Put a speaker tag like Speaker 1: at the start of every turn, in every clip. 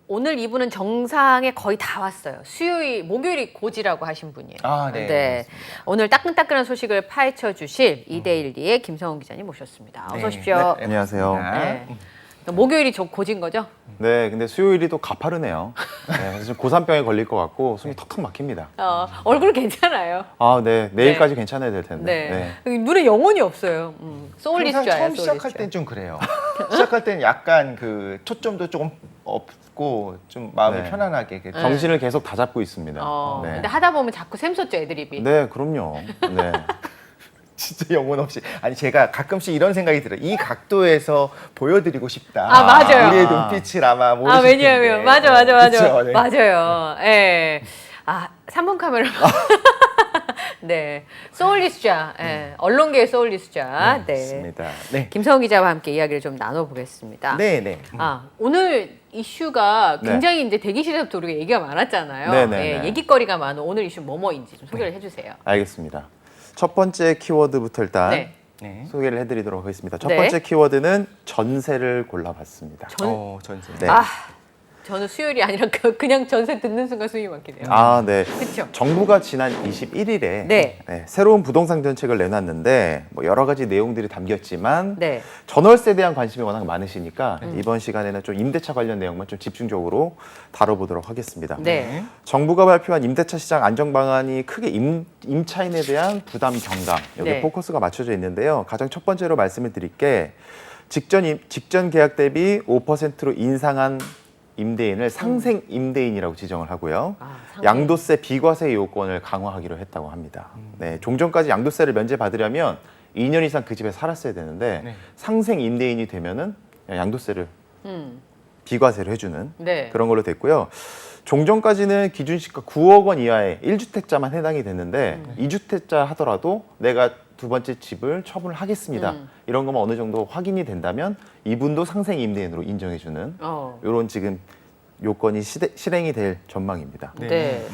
Speaker 1: 오늘 이분은 정상에 거의 다 왔어요. 목요일이 고지라고 하신 분이에요.
Speaker 2: 아, 네.
Speaker 1: 네. 오늘 따끈따끈한 소식을 파헤쳐 주실 2대1리의 김성훈 기자님 모셨습니다. 어서 오십시오.
Speaker 2: 네,
Speaker 3: 안녕하세요.
Speaker 1: 네. 목요일이 고지인 거죠?
Speaker 3: 네, 근데 수요일이 또 가파르네요. 네, 그래서 좀 고산병에 걸릴 것 같고 숨이 턱턱 막힙니다.
Speaker 1: 얼굴 괜찮아요.
Speaker 3: 아, 네, 내일까지 괜찮아야 될 텐데.
Speaker 1: 네.
Speaker 3: 네.
Speaker 1: 눈에 영혼이 없어요.
Speaker 2: 항상
Speaker 1: 소울리스트야.
Speaker 2: 처음 시작할 땐 좀 그래요. 시작할 땐 약간 그 초점도 조금 없고 좀 마음이
Speaker 3: 네.
Speaker 2: 편안하게. 이렇게
Speaker 3: 정신을 계속 다 잡고 있습니다. 네.
Speaker 1: 근데 하다 보면 자꾸 샘솟죠, 애드립이.
Speaker 3: 네, 그럼요. 네.
Speaker 2: 진짜 영혼 없이. 아니 제가 가끔씩 이런 생각이 들어요. 이 각도에서 보여드리고 싶다.
Speaker 1: 아, 맞아요.
Speaker 2: 우리의 눈빛을 아마 모르실
Speaker 1: 왜냐하면
Speaker 2: 텐데.
Speaker 1: 맞아.
Speaker 2: 그쵸? 네.
Speaker 1: 맞아요. 예. 3분 카메라. 네. 소울리스자. 예. 언론계의 소울리스자. 네.
Speaker 2: 맞습니다. 네.
Speaker 1: 김성훈 기자와 함께 이야기를 좀 나눠보겠습니다.
Speaker 2: 네.
Speaker 1: 오늘 이슈가
Speaker 3: 네.
Speaker 1: 굉장히 이제 대기실에서부터 우리가 얘기가 많았잖아요.
Speaker 3: 네네네.
Speaker 1: 얘기거리가 많은 오늘 이슈 뭐뭐인지 좀 소개를 해주세요.
Speaker 3: 알겠습니다. 첫 번째 키워드부터 일단
Speaker 1: 네.
Speaker 3: 소개를 해드리도록 하겠습니다. 첫
Speaker 1: 네.
Speaker 3: 번째 키워드는 전세를 골라봤습니다.
Speaker 2: 전세.
Speaker 3: 네.
Speaker 1: 저는 수요일이 아니라 그냥 전세 듣는 순간 숨이 막히네요.
Speaker 3: 아, 네.
Speaker 1: 그렇죠.
Speaker 3: 정부가 지난 21일에
Speaker 1: 네.
Speaker 3: 새로운 부동산 정책을 내놨는데 뭐 여러 가지 내용들이 담겼지만
Speaker 1: 네.
Speaker 3: 전월세에 대한 관심이 워낙 많으니까 이번 시간에는 좀 임대차 관련 내용만 좀 집중적으로 다뤄보도록 하겠습니다.
Speaker 1: 네.
Speaker 3: 정부가 발표한 임대차 시장 안정 방안이 크게 임차인에 대한 부담 경감 여기
Speaker 1: 네.
Speaker 3: 포커스가 맞춰져 있는데요. 가장 첫 번째로 말씀을 드릴 게 직전 계약 대비 5%로 인상한 임대인을 상생 임대인이라고 지정을 하고요. 양도세 비과세 요건을 강화하기로 했다고 합니다. 네, 종전까지 양도세를 면제받으려면 2년 이상 그 집에 살았어야 되는데
Speaker 2: 네.
Speaker 3: 상생 임대인이 되면은 양도세를
Speaker 1: 음.
Speaker 3: 비과세를 해주는
Speaker 1: 네.
Speaker 3: 그런 걸로 됐고요. 종전까지는 기준시가 9억 원 이하의 1주택자만 해당이 됐는데 2주택자 하더라도 내가 두 번째 집을 처분을 하겠습니다. 이런 것만 어느 정도 확인이 된다면 이분도 상생 임대인으로 인정해주는 이런 지금 요건이 실행이 될 전망입니다.
Speaker 1: 네.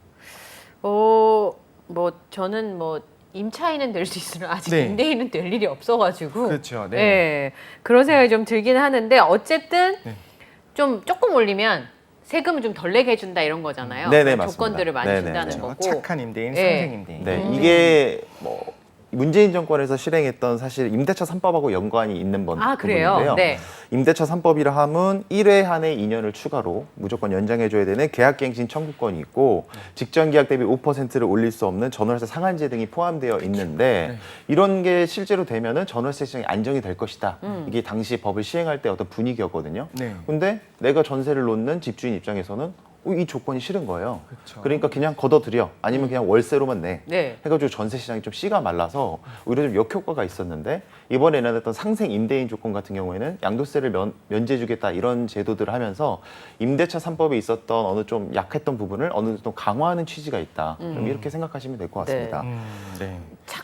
Speaker 1: 저는 임차인은 될 수 있으나 아직
Speaker 2: 네.
Speaker 1: 임대인은 될 일이 없어가지고.
Speaker 2: 그렇죠. 네.
Speaker 1: 네. 그런 생각이 좀 들긴 하는데 어쨌든
Speaker 2: 네.
Speaker 1: 좀 조금 올리면 세금을 좀 덜 내게 해준다 이런 거잖아요.
Speaker 3: 네네,
Speaker 1: 그런
Speaker 3: 맞습니다.
Speaker 1: 조건들을 많이
Speaker 3: 네네,
Speaker 1: 준다는
Speaker 3: 네.
Speaker 1: 거고.
Speaker 2: 착한 임대인,
Speaker 1: 네.
Speaker 2: 상생 임대인.
Speaker 3: 네, 이게 뭐 문재인 정권에서 실행했던 사실 임대차 3법하고 연관이 있는
Speaker 1: 그래요?
Speaker 3: 부분인데요.
Speaker 1: 네.
Speaker 3: 임대차 3법이라 함은 1회 한해 2년을 추가로 무조건 연장해줘야 되는 계약갱신 청구권이 있고 직전 계약 대비 5%를 올릴 수 없는 전월세 상한제 등이 포함되어 있는데 이런 게 실제로 되면은 전월세 시장이 안정이 될 것이다. 이게 당시 법을 시행할 때 어떤 분위기였거든요.
Speaker 2: 네.
Speaker 3: 근데 내가 전세를 놓는 집주인 입장에서는 이 조건이 싫은 거예요.
Speaker 2: 그렇죠.
Speaker 3: 그러니까 그냥 걷어들여 아니면 그냥 월세로만 내.
Speaker 1: 네.
Speaker 3: 해가지고 전세 시장이 좀 씨가 말라서 오히려 좀 역효과가 있었는데 이번에 내놨던 상생 임대인 조건 같은 경우에는 양도세를 면제해주겠다 이런 제도들을 하면서 임대차 3법에 있었던 어느 좀 약했던 부분을 어느 정도 강화하는 취지가 있다. 좀 이렇게 생각하시면 될 것 같습니다.
Speaker 2: 네.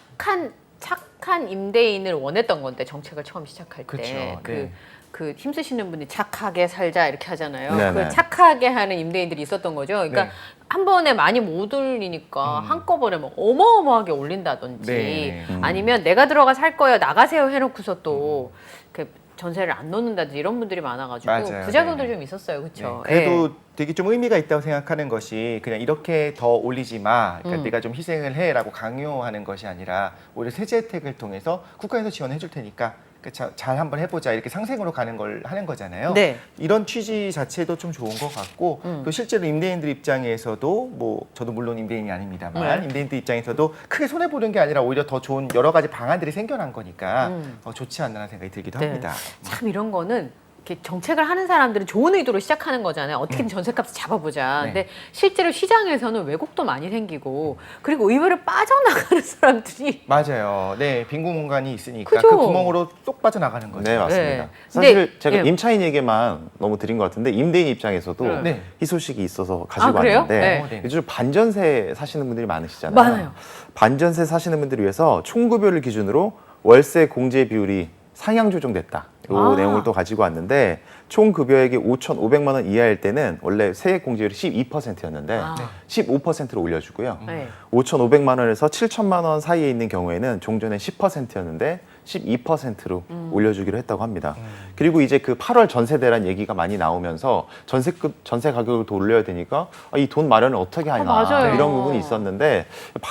Speaker 1: 착한 임대인을 원했던 건데 정책을 처음 시작할 때
Speaker 2: 그렇죠.
Speaker 1: 그 힘쓰시는 분이 착하게 살자 이렇게 하잖아요.
Speaker 3: 네네.
Speaker 1: 그 착하게 하는 임대인들이 있었던 거죠. 그러니까
Speaker 2: 네.
Speaker 1: 한 번에 많이 못 올리니까 한꺼번에 뭐 어마어마하게 올린다든지
Speaker 2: 네.
Speaker 1: 아니면 내가 들어가 살 거예요 나가세요 해놓고서 또 이렇게 전세를 안 놓는다든지 이런 분들이 많아가지고
Speaker 2: 맞아요.
Speaker 1: 부작용도
Speaker 2: 네.
Speaker 1: 좀 있었어요. 그렇죠.
Speaker 2: 그래도 되게 좀 의미가 있다고 생각하는 것이 그냥 이렇게 더 올리지 마. 그러니까 내가 좀 희생을 해라고 강요하는 것이 아니라 오히려 세제 혜택을 통해서 국가에서 지원해 줄 테니까 잘 한번 해보자 이렇게 상생으로 가는 걸 하는 거잖아요.
Speaker 1: 네.
Speaker 2: 이런 취지 자체도 좀 좋은 것 같고 또 실제로 임대인들 입장에서도 뭐 저도 물론 임대인이 아닙니다만 임대인들 입장에서도 크게 손해 보는 게 아니라 오히려 더 좋은 여러 가지 방안들이 생겨난 거니까 좋지 않나라는 생각이 들기도 합니다.
Speaker 1: 참 이런 거는 이렇게 정책을 하는 사람들은 좋은 의도로 시작하는 거잖아요. 어떻게든 전세값을 잡아보자.
Speaker 2: 네.
Speaker 1: 근데 실제로 시장에서는 왜곡도 많이 생기고 그리고 의외로 빠져나가는 사람들이
Speaker 2: 맞아요. 네, 빈 공간이 있으니까
Speaker 1: 그죠?
Speaker 2: 그 구멍으로 쏙 빠져나가는 거죠.
Speaker 3: 네, 맞습니다.
Speaker 1: 네.
Speaker 3: 사실
Speaker 1: 근데,
Speaker 3: 제가
Speaker 1: 예.
Speaker 3: 임차인 얘기만 너무 드린 것 같은데 임대인 입장에서도
Speaker 2: 네.
Speaker 3: 희소식이 있어서 가지고
Speaker 1: 그래요?
Speaker 3: 왔는데
Speaker 2: 네.
Speaker 3: 요즘 반전세 사시는 분들이 많으시잖아요.
Speaker 1: 많아요.
Speaker 3: 반전세 사시는 분들을 위해서 총급여를 기준으로 월세 공제 비율이 상향 조정됐다. 이 내용을 또 가지고 왔는데 총 급여액이 5,500만 원 이하일 때는 원래 세액 공제율이 12%였는데 15%로 올려주고요.
Speaker 1: 네.
Speaker 3: 5,500만 원에서 7,000만 원 사이에 있는 경우에는 종전에 10%였는데 12%로 올려주기로 했다고 합니다. 그리고 이제 그 8월 전세 대란 얘기가 많이 나오면서 전세 가격을 더 올려야 되니까 이 돈 마련을 어떻게 하냐
Speaker 1: 맞아요.
Speaker 3: 이런 부분이 있었는데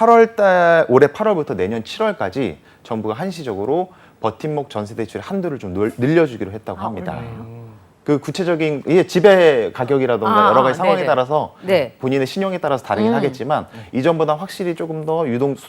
Speaker 3: 올해 8월부터 내년 7월까지 정부가 한시적으로 버팀목 전세 대출의 한도를 좀 늘려주기로 했다고 합니다.
Speaker 1: 그래요?
Speaker 3: 그 구체적인 이게 집의 가격이라던가 여러 가지 상황에
Speaker 1: 네네.
Speaker 3: 따라서
Speaker 1: 네.
Speaker 3: 본인의 신용에 따라서 다르긴 하겠지만 이전보다 확실히 조금 더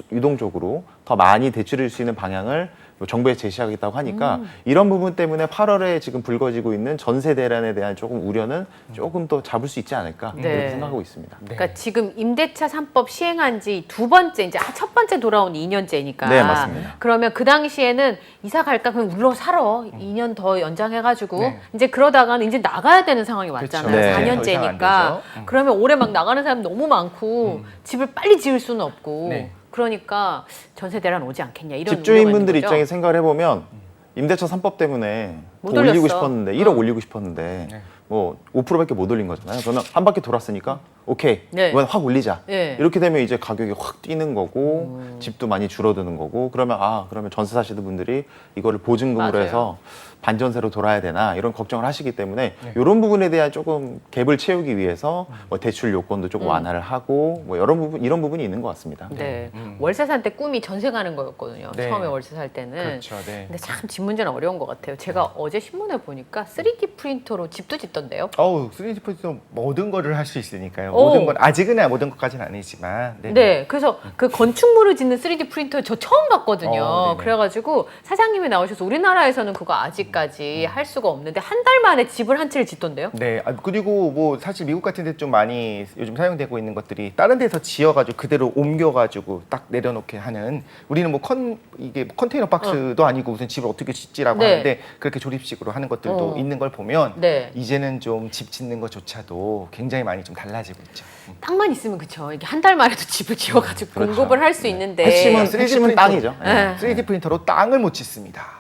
Speaker 3: 유동적으로 더 많이 대출할 수 있는 방향을 정부에 제시하겠다고 하니까 이런 부분 때문에 8월에 지금 불거지고 있는 전세 대란에 대한 조금 우려는 조금 더 잡을 수 있지 않을까
Speaker 1: 네.
Speaker 3: 그렇게 생각하고 있습니다.
Speaker 1: 그러니까 지금 임대차 3법 시행한 지 두 번째, 이제 첫 번째 돌아온 2년째니까.
Speaker 3: 네, 맞습니다.
Speaker 1: 그러면 그 당시에는 이사 갈까 그냥 울러 살아. 2년 더 연장해가지고
Speaker 2: 네.
Speaker 1: 이제 그러다가는 이제 나가야 되는 상황이 왔잖아요.
Speaker 3: 네.
Speaker 2: 더 이상 안
Speaker 1: 4년째니까.
Speaker 2: 되죠.
Speaker 1: 그러면 올해 막 나가는 사람 너무 많고 집을 빨리 지을 수는 없고.
Speaker 2: 네.
Speaker 1: 그러니까 전세 대란 오지 않겠냐 이런
Speaker 3: 집주인분들
Speaker 1: 우려가 있는 거죠.
Speaker 3: 입장에 생각을 해보면 임대차 3법 때문에
Speaker 1: 못
Speaker 3: 더 올리고
Speaker 1: 올렸어.
Speaker 3: 싶었는데 1억 올리고 싶었는데
Speaker 2: 네.
Speaker 3: 뭐 5%밖에 못 올린 거잖아요. 저는 한 바퀴 돌았으니까 오케이
Speaker 1: 네.
Speaker 3: 이번 확 올리자.
Speaker 1: 네.
Speaker 3: 이렇게 되면 이제 가격이 확 뛰는 거고 집도 많이 줄어드는 거고 그러면 전세 사시는 분들이 이거를 보증금으로
Speaker 1: 맞아요.
Speaker 3: 해서 반전세로 돌아야 되나 이런 걱정을 하시기 때문에
Speaker 2: 네.
Speaker 3: 이런 부분에 대한 조금 갭을 채우기 위해서 뭐 대출 요건도 조금 완화를 하고 뭐 이런 부분이 있는 것 같습니다.
Speaker 1: 네. 월세 살 때 꿈이 전세 가는 거였거든요.
Speaker 2: 네.
Speaker 1: 처음에 월세 살 때는.
Speaker 2: 그렇죠. 네.
Speaker 1: 근데 참 집 문제는 어려운 것 같아요. 제가 어제 신문에 보니까 3D 프린터로 집도 짓던데요.
Speaker 2: 3D 프린터 모든 거를 할 수 있으니까요.
Speaker 1: 오.
Speaker 2: 모든 건 아직은 모든 것까지는 아니지만.
Speaker 1: 네. 그래서 그 건축물을 짓는 3D 프린터 저 처음 봤거든요.
Speaker 2: 네네.
Speaker 1: 그래가지고 사장님이 나오셔서 우리나라에서는 그거 아직까지 할 수가 없는데 한 달 만에 집을 한 채를 짓던데요.
Speaker 2: 네. 그리고 뭐 사실 미국 같은 데 좀 많이 요즘 사용되고 있는 것들이 다른 데서 지어가지고 그대로 옮겨가지고 딱 내려놓게 하는 우리는 뭐 이게 컨테이너 박스도 아니고 무슨 집을 어떻게 짓지라고
Speaker 1: 네.
Speaker 2: 하는데 그렇게 조립식으로 하는 것들도 있는 걸 보면
Speaker 1: 네.
Speaker 2: 이제는 좀 집 짓는 것조차도 굉장히 많이 좀 달라지고 있죠.
Speaker 1: 땅만 있으면 그쵸. 이게 한 달 만에도 집을 지어가지고
Speaker 3: 그렇죠.
Speaker 1: 공급을 할 수 있는데.
Speaker 3: 핵심은
Speaker 2: 3D
Speaker 3: 땅이죠.
Speaker 1: 네.
Speaker 2: 3D 프린터로 땅을 못 짓습니다.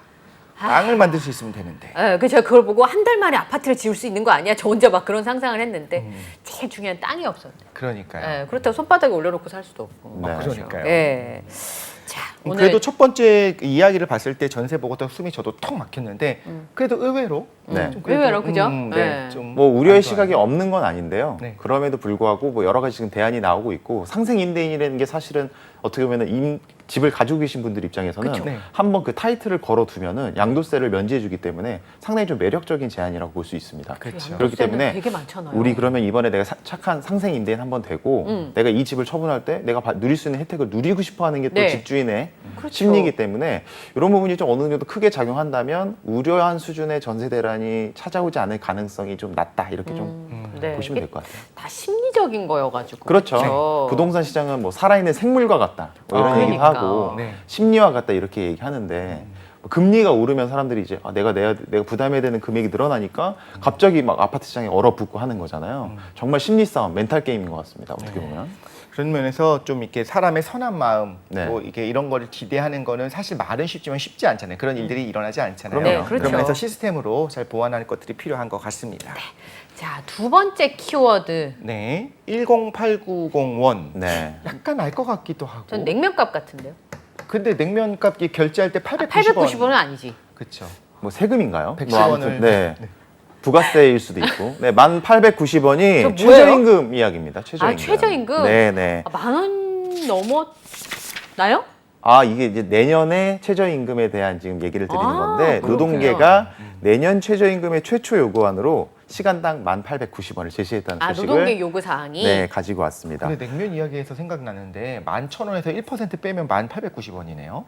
Speaker 2: 땅을 만들 수 있으면 되는데.
Speaker 1: 그 제가 그걸 보고 한 달 만에 아파트를 지을 수 있는 거 아니야? 저 혼자 막 그런 상상을 했는데 제일 중요한 땅이 없었네.
Speaker 2: 그러니까요.
Speaker 1: 그렇다고 손바닥에 올려놓고 살 수도 없고.
Speaker 3: 네.
Speaker 2: 그러니까요.
Speaker 1: 예. 자, 오늘
Speaker 2: 그래도 첫 번째 이야기를 봤을 때 전세 보고 또 숨이 저도 턱 막혔는데 그래도 의외로
Speaker 3: 네.
Speaker 2: 좀 그래도,
Speaker 1: 의외로, 그죠?
Speaker 2: 네.
Speaker 1: 네.
Speaker 2: 좀
Speaker 3: 뭐 우려의
Speaker 2: 안
Speaker 3: 시각이
Speaker 2: 좋아요.
Speaker 3: 없는 건 아닌데요.
Speaker 2: 네.
Speaker 3: 그럼에도 불구하고 뭐 여러 가지 지금 대안이 나오고 있고 상생 임대인이라는 게 사실은 어떻게 보면은 집을 가지고 계신 분들 입장에서는
Speaker 2: 그쵸. 네.
Speaker 3: 한번 그 타이틀을 걸어두면은 양도세를 면제해주기 때문에 상당히 좀 매력적인 제안이라고 볼 수 있습니다.
Speaker 2: 그렇죠.
Speaker 3: 그렇기 때문에
Speaker 1: 되게 많잖아요.
Speaker 3: 우리 그러면 이번에 내가 착한 상생 임대인 한번 되고 내가 이 집을 처분할 때 내가 누릴 수 있는 혜택을 누리고 싶어하는 게 또
Speaker 1: 네.
Speaker 3: 집주인의
Speaker 1: 그렇죠.
Speaker 3: 심리이기 때문에 이런 부분이 좀 어느 정도 크게 작용한다면 우려한 수준의 전세 대란이 찾아오지 않을 가능성이 좀 낮다 이렇게 좀
Speaker 1: 네.
Speaker 3: 보시면
Speaker 1: 이게
Speaker 3: 될 것 같아요.
Speaker 1: 다 심리적인 거여가지고.
Speaker 3: 그렇죠.
Speaker 1: 그쵸?
Speaker 3: 부동산 시장은 뭐 살아있는 생물과 같다 뭐 이런 얘기도
Speaker 1: 그러니까.
Speaker 3: 하고
Speaker 2: 네.
Speaker 3: 심리와 같다 이렇게 얘기하는데 뭐 금리가 오르면 사람들이 이제 내가 부담해야 되는 금액이 늘어나니까 갑자기 막 아파트 시장에 얼어붙고 하는 거잖아요. 정말 심리 싸움, 멘탈 게임인 것 같습니다. 어떻게 보면.
Speaker 2: 그런 면에서 좀 이렇게 사람의 선한 마음,
Speaker 3: 네.
Speaker 2: 뭐 이게 이런 거를 기대하는 거는 사실 말은 쉽지만 쉽지 않잖아요. 그런 일들이 일어나지 않잖아요.
Speaker 3: 그럼요.
Speaker 1: 네, 그렇죠.
Speaker 2: 그런 면에서 시스템으로 잘 보완하는 것들이 필요한 것 같습니다.
Speaker 1: 자, 두 번째 키워드.
Speaker 2: 네, 108901.
Speaker 3: 네.
Speaker 2: 약간 알 것 같기도 하고.
Speaker 1: 전 냉면값 같은데요.
Speaker 2: 근데 냉면값 결제할 때 890원.
Speaker 1: 890원은 아니지.
Speaker 2: 그렇죠.
Speaker 3: 뭐 세금인가요?
Speaker 2: 110원을
Speaker 3: 뭐 아무튼 네. 부가세일 수도 있고. 네, 11,890원이
Speaker 1: 저 뭐예요?
Speaker 3: 최저임금 이야기입니다. 최저임금.
Speaker 1: 최저임금?
Speaker 3: 네, 네.
Speaker 1: 10,000원 넘었나요?
Speaker 3: 이게 이제 내년에 최저임금에 대한 지금 얘기를 드리는 건데
Speaker 1: 그렇군요.
Speaker 3: 노동계가 내년 최저임금의 최초 요구안으로 시간당 1,890원을 제시했다는 소식을
Speaker 1: 노동계 요구 사항이.
Speaker 3: 네, 가지고 왔습니다.
Speaker 2: 근데 냉면 이야기에서 생각나는데 11,000원에서 1% 빼면 1,890원이네요.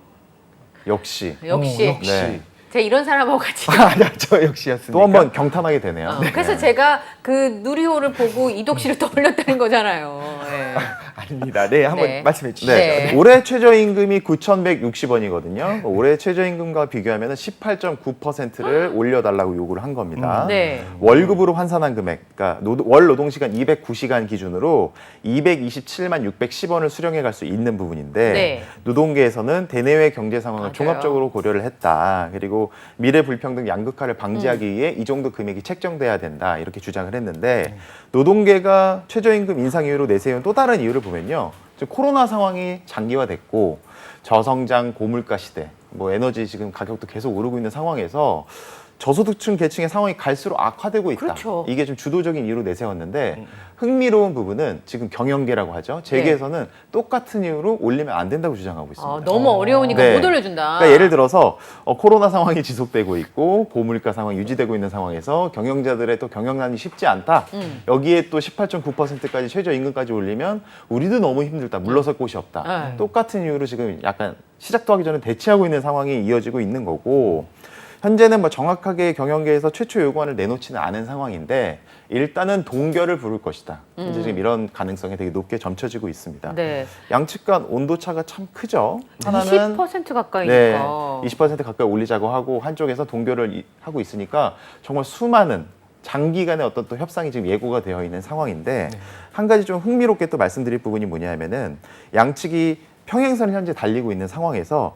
Speaker 3: 역시
Speaker 1: 역시.
Speaker 2: 역시.
Speaker 3: 네.
Speaker 1: 제가 이런 사람하고 같이.
Speaker 2: 아니야, 저 역시였습니까?
Speaker 3: 또 한 번 경탄하게 되네요.
Speaker 1: 그래서
Speaker 3: 네.
Speaker 1: 제가 그 누리호를 보고 이독 씨를 떠올렸다는 거잖아요. 네.
Speaker 2: 아닙니다. 네, 한번
Speaker 1: 네.
Speaker 2: 말씀해 주시죠.
Speaker 3: 네.
Speaker 1: 네.
Speaker 3: 올해 최저임금이 9,160원이거든요. 올해 최저임금과 비교하면 18.9%를 올려달라고 요구를 한 겁니다.
Speaker 1: 네.
Speaker 3: 월급으로 환산한 금액, 그러니까 월 노동시간 209시간 기준으로 227만 610원을 수령해 갈 수 있는 부분인데
Speaker 1: 네.
Speaker 3: 노동계에서는 대내외 경제 상황을
Speaker 1: 맞아요.
Speaker 3: 종합적으로 고려를 했다. 그리고 미래 불평등 양극화를 방지하기 위해 이 정도 금액이 책정돼야 된다. 이렇게 주장을 했는데 노동계가 최저임금 인상 이유로 내세운 또 다른 이유를 보면요. 지금 코로나 상황이 장기화됐고 저성장 고물가 시대, 뭐 에너지 지금 가격도 계속 오르고 있는 상황에서 저소득층 계층의 상황이 갈수록 악화되고 있다.
Speaker 1: 그렇죠.
Speaker 3: 이게 좀 주도적인 이유로 내세웠는데 흥미로운 부분은 지금 경영계라고 하죠. 재계에서는 똑같은 이유로 올리면 안 된다고 주장하고 있습니다.
Speaker 1: 아, 너무 어려우니까
Speaker 3: 네.
Speaker 1: 못 올려준다.
Speaker 3: 그러니까 예를 들어서 코로나 상황이 지속되고 있고 고물가 상황이 유지되고 있는 상황에서 경영자들의 또 경영난이 쉽지 않다. 여기에 또 18.9%까지 최저임금까지 올리면 우리도 너무 힘들다. 물러설 곳이 없다.
Speaker 1: 네.
Speaker 3: 똑같은 이유로 지금 약간 시작도 하기 전에 대치하고 있는 상황이 이어지고 있는 거고 현재는 뭐 정확하게 경영계에서 최초 요구안을 내놓지는 않은 상황인데 일단은 동결을 부를 것이다. 이제 지금 이런 가능성이 되게 높게 점쳐지고 있습니다.
Speaker 1: 네.
Speaker 3: 양측 간 온도 차가 참 크죠. 하나는
Speaker 1: 20% 가까이니까.
Speaker 3: 네, 20% 가까이 올리자고 하고 한쪽에서 동결을 하고 있으니까 정말 수많은 장기간의 어떤 또 협상이 지금 예고가 되어 있는 상황인데 한 가지 좀 흥미롭게 또 말씀드릴 부분이 뭐냐면은 양측이 평행선을 현재 달리고 있는 상황에서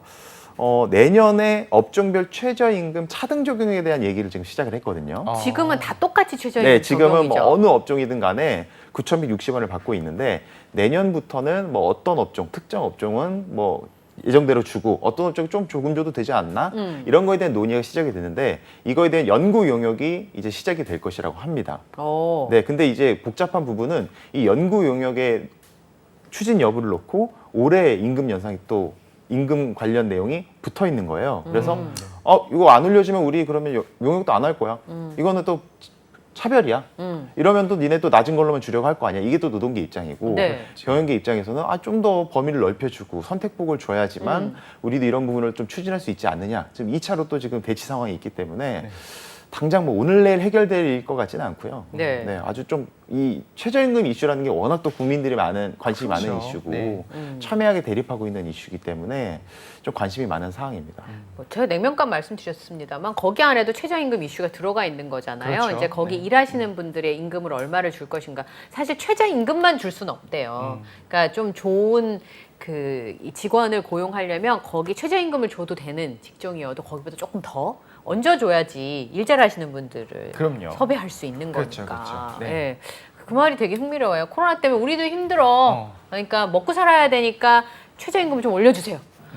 Speaker 3: 내년에 업종별 최저임금 차등 적용에 대한 얘기를 지금 시작을 했거든요.
Speaker 1: 지금은 다 똑같이 최저임금
Speaker 3: 네, 지금은
Speaker 1: 적용이죠.
Speaker 3: 뭐 어느 업종이든 간에 9,160원을 받고 있는데 내년부터는 뭐 어떤 업종, 특정 업종은 뭐 예정대로 주고 어떤 업종은 좀 조금 줘도 되지 않나? 이런 거에 대한 논의가 시작이 되는데 이거에 대한 연구 용역이 이제 시작이 될 것이라고 합니다.
Speaker 1: 오.
Speaker 3: 네, 근데 이제 복잡한 부분은 이 연구 용역의 추진 여부를 놓고 올해 임금 연상이 또 임금 관련 내용이 붙어 있는 거예요. 그래서 이거 안 올려주면 우리 그러면 용역도 안 할 거야. 이거는 또 차별이야. 이러면 또 니네 또 낮은 걸로만 주려고 할 거 아니야. 이게 또 노동계 입장이고
Speaker 1: 네.
Speaker 3: 경영계 입장에서는 좀 더 범위를 넓혀주고 선택폭을 줘야지만 우리도 이런 부분을 좀 추진할 수 있지 않느냐. 지금 2차로 또 지금 대치 상황이 있기 때문에 당장 뭐 오늘 내일 해결될 것 같지는 않고요.
Speaker 1: 네.
Speaker 3: 아주 좀 이 최저임금 이슈라는 게 워낙 또 국민들이 관심이 많은
Speaker 2: 그렇죠.
Speaker 3: 이슈고
Speaker 2: 네.
Speaker 3: 첨예하게 대립하고 있는 이슈이기 때문에 좀 관심이 많은 사항입니다.
Speaker 1: 뭐 제가 냉면값 말씀드렸습니다만 거기 안에도 최저임금 이슈가 들어가 있는 거잖아요.
Speaker 2: 그렇죠.
Speaker 1: 이제 거기 일하시는 분들의 임금을 얼마를 줄 것인가. 사실 최저임금만 줄 수는 없대요. 그러니까 좀 좋은 이 직원을 고용하려면 거기 최저임금을 줘도 되는 직종이어도 거기보다 조금 더 얹어줘야지 일 잘하시는 분들을
Speaker 2: 그럼요.
Speaker 1: 섭외할 수 있는
Speaker 2: 그렇죠,
Speaker 1: 거니까.
Speaker 2: 그렇죠. 네.
Speaker 1: 예. 그 말이 되게 흥미로워요. 코로나 때문에 우리도 힘들어. 그러니까 먹고 살아야 되니까 최저임금 좀 올려주세요.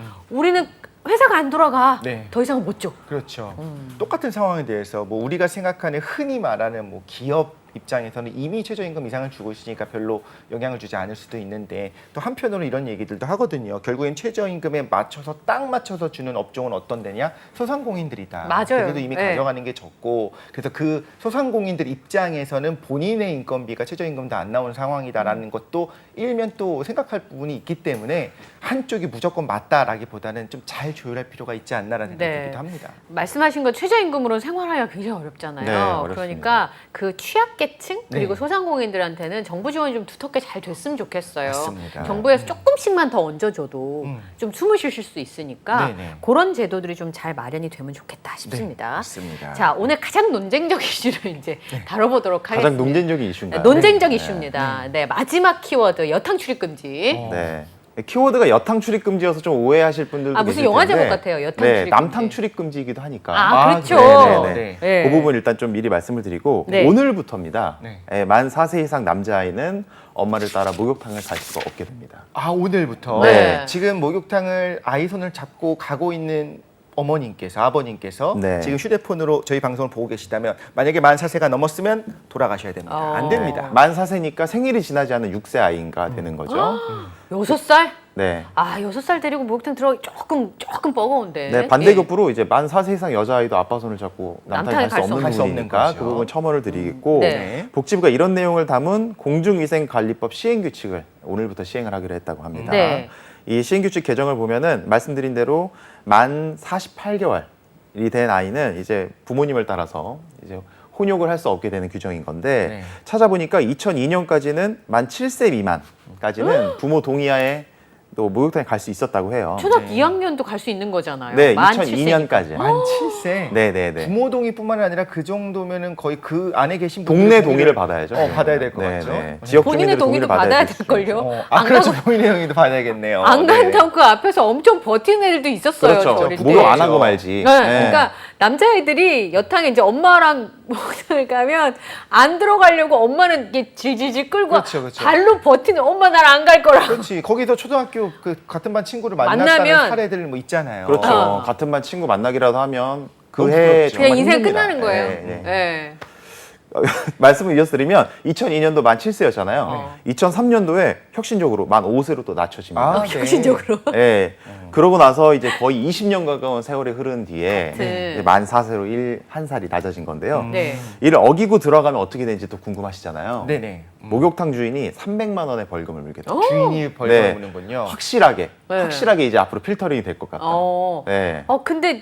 Speaker 1: 우리는 회사가 안 돌아가.
Speaker 2: 네.
Speaker 1: 더 이상은 못 줘.
Speaker 2: 그렇죠. 똑같은 상황에 대해서 뭐 우리가 생각하는 흔히 말하는 뭐 기업 입장에서는 이미 최저임금 이상을 주고 있으니까 별로 영향을 주지 않을 수도 있는데 또 한편으로 이런 얘기들도 하거든요. 결국엔 최저임금에 맞춰서 딱 맞춰서 주는 업종은 어떤 데냐? 소상공인들이다.
Speaker 1: 맞아요.
Speaker 2: 그래도 이미
Speaker 1: 네.
Speaker 2: 가져가는 게 적고 그래서 그 소상공인들 입장에서는 본인의 인건비가 최저임금도 안 나오는 상황이다라는 것도 일면 또 생각할 부분이 있기 때문에 한쪽이 무조건 맞다라기보다는 좀 잘 조율할 필요가 있지 않나라는 생각이
Speaker 1: 네.
Speaker 2: 들기도 합니다.
Speaker 1: 말씀하신 건 최저임금으로 생활하기가 굉장히 어렵잖아요.
Speaker 3: 네, 어렵습니다.
Speaker 1: 그러니까 그 취약계층 그리고
Speaker 2: 네.
Speaker 1: 소상공인들한테는 정부 지원이 좀 두텁게 잘 됐으면 좋겠어요.
Speaker 2: 맞습니다.
Speaker 1: 정부에서 조금씩만 더 얹어줘도 좀 숨을 쉬실 수 있으니까
Speaker 2: 네네.
Speaker 1: 그런 제도들이 좀 잘 마련이 되면 좋겠다 싶습니다.
Speaker 2: 네, 맞습니다.
Speaker 1: 자, 오늘 가장 논쟁적 이슈를 이제 다뤄보도록 하겠습니다.
Speaker 3: 가장 논쟁적인 이슈인가요?
Speaker 1: 논쟁적
Speaker 3: 네.
Speaker 1: 이슈입니다. 네, 마지막 키워드 여탕 출입 금지.
Speaker 3: 네. 키워드가 여탕 출입 금지여서 좀 오해하실 분들도
Speaker 1: 무슨
Speaker 3: 계실
Speaker 1: 영화
Speaker 3: 텐데
Speaker 1: 제목 같아요. 여탕
Speaker 3: 네,
Speaker 1: 출입
Speaker 3: 남탕
Speaker 1: 금지.
Speaker 3: 출입 금지이기도 하니까.
Speaker 1: 아, 그렇죠.
Speaker 3: 네네네.
Speaker 2: 네.
Speaker 1: 네.
Speaker 3: 그 부분 일단 좀 미리 말씀을 드리고
Speaker 1: 네.
Speaker 3: 오늘부터입니다.
Speaker 2: 네.
Speaker 3: 만 4세 이상 남자아이는 엄마를 따라 목욕탕을 갈 수가 없게 됩니다.
Speaker 2: 아 오늘부터
Speaker 1: 네.
Speaker 2: 지금 목욕탕을 아이 손을 잡고 가고 있는 어머님께서 아버님께서
Speaker 3: 네.
Speaker 2: 지금 휴대폰으로 저희 방송을 보고 계시다면 만약에 만 4세가 넘었으면 돌아가셔야 됩니다. 안 됩니다.
Speaker 3: 만 4세니까 생일이 지나지 않은 6세 아이가 되는 거죠.
Speaker 1: 6살?
Speaker 3: 네.
Speaker 1: 아, 6살 데리고 목욕탕 들어가기 조금 버거운데.
Speaker 3: 네, 반대급부로 이제 만 4세 이상 여자아이도 아빠 손을 잡고 남탕에 갈 수 없는
Speaker 2: 갈 수 없는
Speaker 3: 부분이니까
Speaker 2: 거죠.
Speaker 3: 그 부분 첨언을 드리겠고
Speaker 1: 네.
Speaker 3: 복지부가 이런 내용을 담은 공중위생관리법 시행규칙을 오늘부터 시행을 하기로 했다고 합니다.
Speaker 1: 네.
Speaker 3: 이 시행규칙 개정을 보면은 말씀드린 대로 만 48개월이 된 아이는 이제 부모님을 따라서 이제 혼욕을 할 수 없게 되는 규정인 건데
Speaker 2: 네.
Speaker 3: 찾아보니까 2002년까지는 만 7세 미만까지는 부모 동의하에 또 목욕탕에 갈 수 있었다고 해요.
Speaker 1: 초등학교 2학년도 갈 수 있는 거잖아요.
Speaker 3: 네,
Speaker 1: 만
Speaker 3: 2002년까지.
Speaker 2: 만 7세.
Speaker 3: 네네네.
Speaker 2: 부모 동의뿐만 아니라 그 정도면은 거의 그 안에 계신
Speaker 3: 동네
Speaker 2: 분들의
Speaker 3: 동의를 받아야죠.
Speaker 2: 받아야 될 것
Speaker 3: 네네.
Speaker 2: 같죠.
Speaker 3: 지역
Speaker 1: 본인의
Speaker 3: 주민들의
Speaker 1: 동의도
Speaker 3: 동의를
Speaker 1: 받아야
Speaker 3: 되죠.
Speaker 1: 될걸요? 안
Speaker 2: 그렇죠.
Speaker 1: 가고-
Speaker 2: 본인의 동의도 받아야겠네요.
Speaker 1: 안
Speaker 2: 네.
Speaker 1: 간다고 그 앞에서 엄청 버티는 애들도 있었어요. 저
Speaker 3: 그렇죠.
Speaker 1: 어릴 때.
Speaker 3: 목욕 안 하고 말지.
Speaker 1: 네. 그러니까 남자애들이 여탕에 이제 엄마랑 목욕탕을 가면 안 들어가려고 엄마는 이게 질질질 끌고
Speaker 2: 그렇죠.
Speaker 1: 발로 버티는 엄마 날 안 갈 거라고.
Speaker 2: 그렇지. 거기서 초등학교 그 같은 반 친구를 만났다는
Speaker 1: 만나면
Speaker 2: 사례들 뭐 있잖아요.
Speaker 3: 그렇죠. 같은 반 친구 만나기라도 하면
Speaker 2: 너무
Speaker 3: 그해
Speaker 2: 부럽죠.
Speaker 1: 그냥 인생 끝나는 거예요.
Speaker 3: 네, 네.
Speaker 1: 네.
Speaker 3: 말씀을 이어드리면 2002년도 만 7세였잖아요.
Speaker 1: 어.
Speaker 3: 2003년도에 혁신적으로 만 5세로 또 낮춰집니다.
Speaker 2: 네.
Speaker 1: 혁신적으로.
Speaker 3: 네. 그러고 나서 이제 거의 20년 가까운 세월이 흐른 뒤에
Speaker 1: 네.
Speaker 3: 이제 만 4세로 한 살이 낮아진 건데요.
Speaker 1: 네.
Speaker 3: 이를 어기고 들어가면 어떻게 되는지 또 궁금하시잖아요.
Speaker 2: 네네.
Speaker 3: 목욕탕 주인이 300만 원의 벌금을 물겠다.
Speaker 2: 주인이 벌금을 무는군요.
Speaker 3: 확실하게
Speaker 1: 네.
Speaker 3: 확실하게 이제 앞으로 필터링이 될 것 같다. 네.
Speaker 1: 근데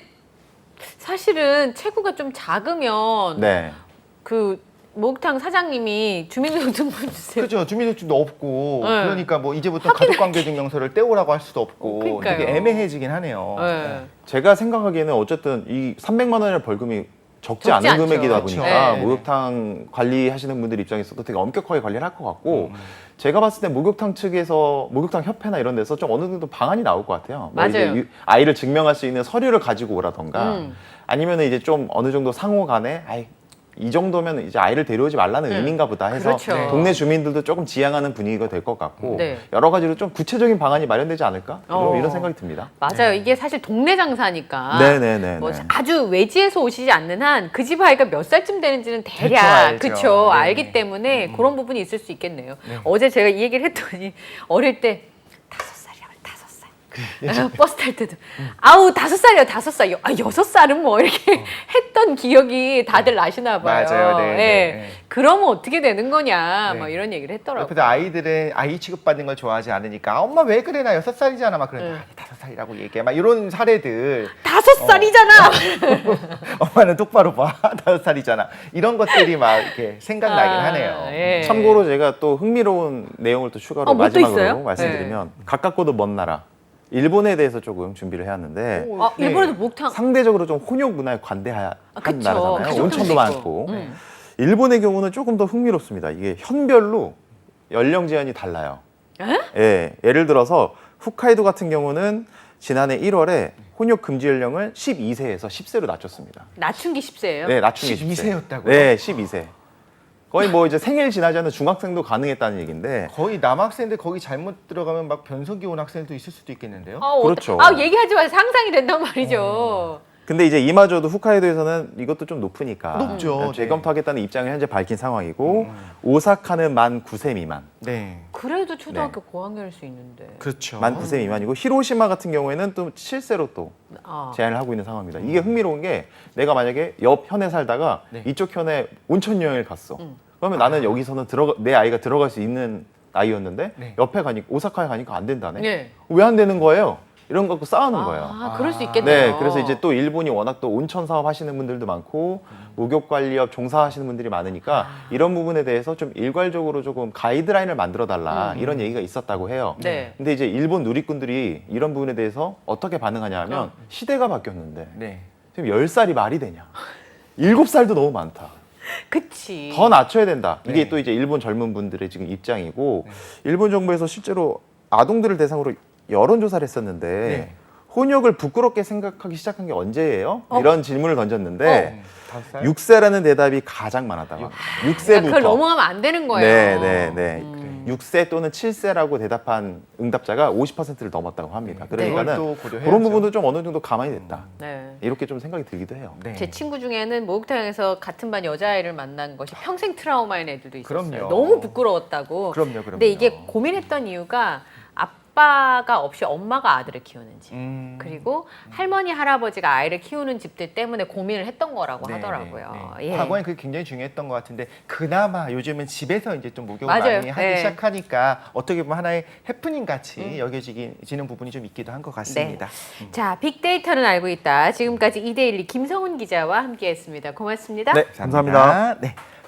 Speaker 1: 사실은 체구가 좀 작으면
Speaker 3: 네.
Speaker 1: 그 목욕탕 사장님이 주민등록증 주세요.
Speaker 2: 그죠. 주민등록증도 없고
Speaker 1: 네.
Speaker 2: 그러니까 뭐 이제부터 가족관계증명서를 떼오라고 할 수도 없고
Speaker 1: 그러니까요.
Speaker 2: 되게 애매해지긴 하네요.
Speaker 1: 네.
Speaker 3: 제가 생각하기에는 어쨌든 이 300만 원의 벌금이 적지
Speaker 1: 적지
Speaker 3: 않은
Speaker 1: 않죠.
Speaker 3: 금액이다
Speaker 2: 그렇죠.
Speaker 3: 보니까
Speaker 1: 네.
Speaker 3: 목욕탕 관리하시는 분들 입장에서도 되게 엄격하게 관리를 할 것 같고 제가 봤을 때 목욕탕 측에서 목욕탕 협회나 이런 데서 좀 어느 정도 방안이 나올 것 같아요. 뭐 이제
Speaker 1: 맞아요.
Speaker 3: 아이를 증명할 수 있는 서류를 가지고 오라던가
Speaker 1: 음.
Speaker 3: 아니면 이제 좀 어느 정도 상호 간에 이 정도면 이제 아이를 데려오지 말라는 의미인가 보다 해서
Speaker 1: 그렇죠.
Speaker 3: 동네 주민들도 조금 지향하는 분위기가 될 것 같고
Speaker 1: 네.
Speaker 3: 여러 가지로 좀 구체적인 방안이 마련되지 않을까
Speaker 1: 어.
Speaker 3: 이런 생각이 듭니다.
Speaker 1: 맞아요. 이게 사실 동네 장사니까.
Speaker 3: 네네네.
Speaker 1: 뭐 아주 외지에서 오시지 않는 한 그 집 아이가 몇 살쯤 되는지는 대략
Speaker 2: 알죠.
Speaker 1: 그쵸
Speaker 2: 네.
Speaker 1: 알기 때문에 그런 부분이 있을 수 있겠네요. 어제 제가 이 얘기를 했더니 어릴 때 5살이야 5살. 버스 탈 때도 아우 5살이야 5살. 6살은 뭐 이렇게 했던 기억이 다들 나시나 봐요.
Speaker 2: 맞아요. 네,
Speaker 1: 예.
Speaker 2: 네.
Speaker 1: 그러면 어떻게 되는 거냐
Speaker 2: 네.
Speaker 1: 뭐 이런 얘기를 했더라고요.
Speaker 2: 옆에서 아이들은 아이 취급받는 걸 좋아하지 않으니까 엄마 왜 그래 나 6살이잖아 막 그러는데
Speaker 1: 네.
Speaker 2: 5살이라고 얘기해 막 이런 사례들
Speaker 1: 5살이잖아.
Speaker 2: 엄마는 똑바로 봐 5살이잖아 이런 것들이 막 이렇게 생각나긴 하네요.
Speaker 1: 예.
Speaker 3: 참고로 제가 또 흥미로운 내용을 또 추가로
Speaker 1: 뭐 또
Speaker 3: 마지막으로
Speaker 1: 있어요?
Speaker 3: 말씀드리면 가깝고도 먼 나라 일본에 대해서 조금 준비를 해왔는데
Speaker 2: 오,
Speaker 1: 아,
Speaker 2: 네.
Speaker 1: 일본에도 목탕
Speaker 3: 상대적으로 좀 혼욕 문화에 관대한
Speaker 1: 그쵸.
Speaker 3: 나라잖아요.
Speaker 1: 가족들도
Speaker 3: 온천도
Speaker 1: 있고.
Speaker 3: 많고 일본의 경우는 조금 더 흥미롭습니다. 이게 현별로 연령 제한이 달라요. 예, 예를 들어서 홋카이도 같은 경우는 지난해 1월에 혼욕 금지 연령을 12세에서 10세로 낮췄습니다.
Speaker 1: 낮춘 게 10세예요?
Speaker 3: 네, 낮춘 게
Speaker 2: 12세 였다고요?
Speaker 3: 네, 12세. 거의 뭐 이제 생일 지나지 않은 중학생도 가능했다는 얘기인데
Speaker 2: 거의 남학생들 거기 잘못 들어가면 막 변성기 온 학생도 있을 수도 있겠는데요.
Speaker 3: 그렇죠.
Speaker 1: 얘기하지 마세요. 상상이 된단 말이죠.
Speaker 3: 근데 이제 이마저도 홋카이도에서는 이것도 좀 높으니까
Speaker 2: 높죠.
Speaker 3: 일단
Speaker 2: 네.
Speaker 3: 재검토하겠다는 입장을 현재 밝힌 상황이고 오사카는 만 9세 미만,
Speaker 2: 네.
Speaker 1: 그래도 초등학교 고학년일 수 있는데.
Speaker 2: 그렇죠.
Speaker 3: 만 9세 미만이고 히로시마 같은 경우에는 또 7세로 또
Speaker 1: 아.
Speaker 3: 제한을 하고 있는 상황입니다. 이게 흥미로운 게 내가 만약에 옆 현에 살다가
Speaker 2: 네.
Speaker 3: 이쪽 현에 온천 여행을 갔어. 그러면 나는 여기서는 내 아이가 들어갈 수 있는 아이였는데
Speaker 2: 네.
Speaker 3: 옆에 가니까 오사카에 가니까 안 된다네.
Speaker 1: 네.
Speaker 3: 왜 안 되는 거예요? 이런 거 갖고 싸우는 거예요.
Speaker 1: 아, 그럴 수 있겠네요.
Speaker 3: 네, 그래서 이제 또 일본이 워낙 또 온천 사업 하시는 분들도 많고 목욕 관리업 종사하시는 분들이 많으니까 이런 부분에 대해서 좀 일괄적으로 조금 가이드라인을 만들어 달라 이런 얘기가 있었다고 해요.
Speaker 1: 네.
Speaker 3: 근데 이제 일본 누리꾼들이 이런 부분에 대해서 어떻게 반응하냐면 시대가 바뀌었는데
Speaker 2: 네.
Speaker 3: 지금 10살이 말이 되냐? 7살도 너무 많다.
Speaker 1: 그치.
Speaker 3: 더 낮춰야 된다. 이게
Speaker 2: 네.
Speaker 3: 또 이제 일본 젊은 분들의 지금 입장이고 일본 정부에서 실제로 아동들을 대상으로 여론조사를 했었는데
Speaker 2: 네.
Speaker 3: 혼욕을 부끄럽게 생각하기 시작한 게 언제예요? 이런 질문을 던졌는데
Speaker 2: 5살?
Speaker 3: 6세라는 대답이 가장 많았다고 합니다.
Speaker 1: 그러니까
Speaker 3: 6세부터.
Speaker 1: 그걸 넘어가면 안 되는 거예요.
Speaker 3: 네. 6세 또는 7세라고 대답한 응답자가 50%를 넘었다고 합니다. 그러니까는
Speaker 2: 그걸 또 고려해야죠.
Speaker 3: 그런 부분도 좀 어느 정도 가만히 됐다.
Speaker 1: 네.
Speaker 3: 이렇게 좀 생각이 들기도 해요.
Speaker 2: 네.
Speaker 1: 제 친구 중에는 목욕탕에서 같은 반 여자아이를 만난 것이 평생 트라우마인 애들도 있었어요.
Speaker 2: 그럼요.
Speaker 1: 너무 부끄러웠다고.
Speaker 2: 그럼요.
Speaker 1: 근데 이게 고민했던 이유가 아빠가 없이 엄마가 아들을 키우는 집. 그리고 할머니 할아버지가 아이를 키우는 집들 때문에 고민을 했던 거라고
Speaker 2: 네,
Speaker 1: 하더라고요.
Speaker 2: 네, 네.
Speaker 1: 예.
Speaker 2: 과거엔 그게 굉장히 중요했던 것 같은데 그나마 요즘은 집에서 이제 좀 목욕을
Speaker 1: 맞아요.
Speaker 2: 많이 하기
Speaker 1: 네.
Speaker 2: 시작하니까 어떻게 보면 하나의 해프닝 같이 여겨지는 부분이 좀 있기도 한 것 같습니다.
Speaker 1: 자, 빅데이터는 알고 있다. 지금까지 이데일리 김성훈 기자와 함께했습니다. 고맙습니다.
Speaker 3: 네, 감사합니다.
Speaker 2: 네.